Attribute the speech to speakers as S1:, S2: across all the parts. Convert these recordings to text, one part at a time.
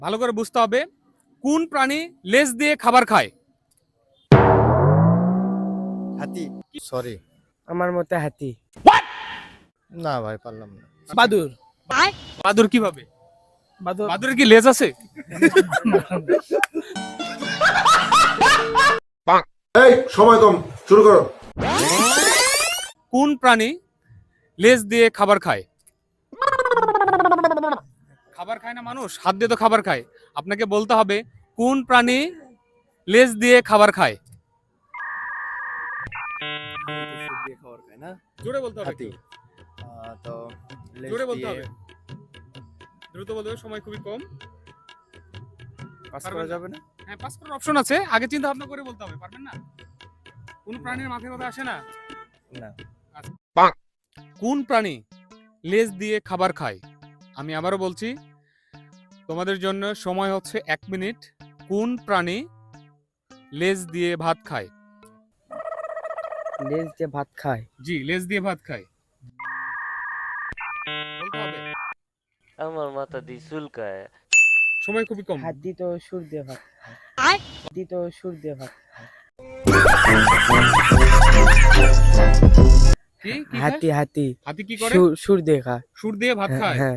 S1: ভালো করে বুঝতে হবে কোন প্রাণী লেজ দিয়ে খাবার খায়।
S2: হাতি। সরি,
S3: আমার মতে হাতি।
S2: না ভাই পারলাম না।
S3: বাদুর।
S1: বাদুর কিভাবে?
S3: বাদুর
S1: বাদুরের কি লেজ আছে?
S4: এই সময় কম, শুরু করো।
S1: কোন প্রাণী লেজ দিয়ে খাবার খায়? খাবার খায় না মানুষ, হাত দিয়ে তো খাবার খায়। আপনাকে বলতে হবে কোন প্রাণী লেজ দিয়ে খাবার খায়। জোরে বলতে হবে
S2: হাতি।
S1: একটু।
S2: তো
S1: জোরে বলতে হবে, দ্রুত বলতে হবে, সময় খুবই কম।
S2: পাস
S1: পারবেন
S2: করা
S1: না?
S2: যাবে না?
S1: হ্যাঁ, পাস করার অপশন আছে, আগে চিন্তা ভাবনা করে বলতে হবে। পারবেন না? কোন প্রাণীর মাথায় কথা আসে না?
S2: না।
S1: কোন প্রাণী লেজ দিয়ে খাবার খায়? আমি আবারও বলছি, তোমাদের জন্য সময় হচ্ছে 1 মিনিট। কোন প্রাণী লেজ দিয়ে ভাত খায়?
S3: লেজ দিয়ে ভাত খায়।
S1: জি, লেজ দিয়ে ভাত খায়। বলতে হবে,
S5: আমার মাথা দিয়ে চুলকায়।
S1: সময় খুবই কম।
S3: হাতি তো সুর দিয়ে ভাত খায়। হাতি তো সুর দিয়ে ভাত খায়।
S1: কি কি খায়?
S3: হাতি হাতি
S1: হাতি কি করে?
S3: সুর দিয়ে খায়।
S1: সুর দিয়ে ভাত খায়।
S3: হ্যাঁ।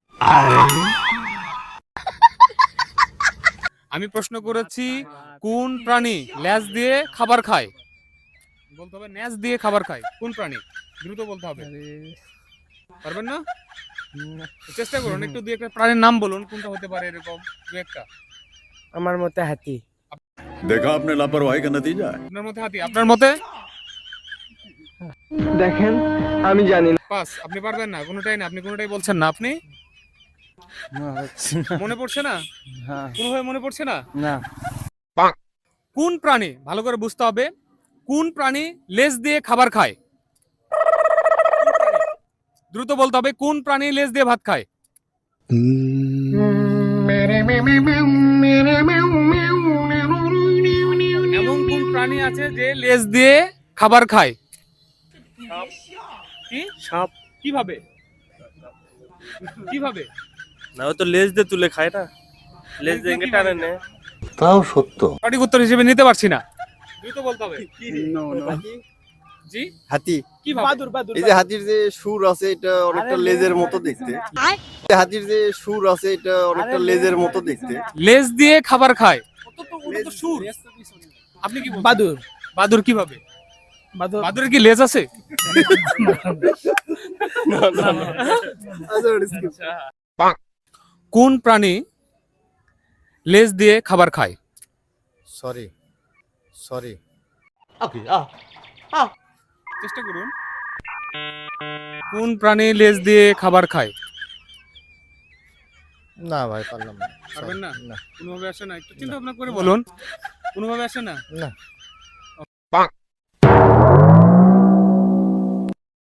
S1: আমি প্রশ্ন করেছি কোন প্রাণী লেজ দিয়ে খাবার খায়? বলতে হবে লেজ দিয়ে খাবার খায় কোন প্রাণী? দ্রুত বলতে হবে। পারবেন না? চেষ্টা করুন, একটু দুই একটা প্রাণীর নাম বলুন, কোনটা হতে পারে এরকম দু একটা।
S3: আমার মতে হাতি।
S6: देखा आपने लापरवाही का नतीजा है।
S1: আপনার মতে হাতি, আপনার মতে
S3: দেখেন আমি জানি না।
S1: পাস। আপনি পারবেন না, কোনোটাই না, আপনি কোনোটাই বলছেন না। আপনি মনে পড়ছে না, কোনোভাবে মনে পড়ছে না।
S3: না।
S1: কোন প্রাণী, ভালো করে বুঝতে হবে, কোন প্রাণী লেজ দিয়ে খাবার খায়? দ্রুত বলতে হবে কোন প্রাণী লেজ দিয়ে ভাত খায়। এমন কোন প্রাণী আছে যে লেজ দিয়ে খাবার খায়? কি
S7: সাপ।
S1: কিভাবে? কিভাবে?
S7: না, ও তো লেজ দিয়ে তুলে খায় না, লেজ দিয়ে
S1: কিভাবে?
S7: টানে নেয়।
S6: ताও সত্য।
S1: সঠিক উত্তর হিসেবে নিতে পারছি না, দ্রুত বলতে হবে।
S2: হাতি।
S1: জি,
S2: হাতি।
S1: কিভাবে?
S3: বাদুর
S2: এই যে হাতির যে সুর আছে এটা অনেকটা লেজের মতো দেখতে। যে হাতির যে সুর আছে এটা অনেকটা লেজের মতো দেখতে।
S1: লেজ দিয়ে খাবার খায়। ওটা তো সুর। আপনি কি বলছেন?
S3: বাদুর।
S1: বাদুর কিভাবে?
S3: বাদুর
S1: বাদুরের কি লেজ আছে? কোন প্রাণী লেজ দিয়ে খাবার খায়?
S2: Sorry, sorry.
S1: চেষ্টা করুন। কোন প্রাণী লেজ দিয়ে খাবার খায়?
S2: না ভাই পারলাম না।
S1: পারবেন না?
S2: না।
S1: কোনোভাবে আসে না, একটু চিন্তা ভাবনা করে বলুন। কোনোভাবে আসে না।
S2: না।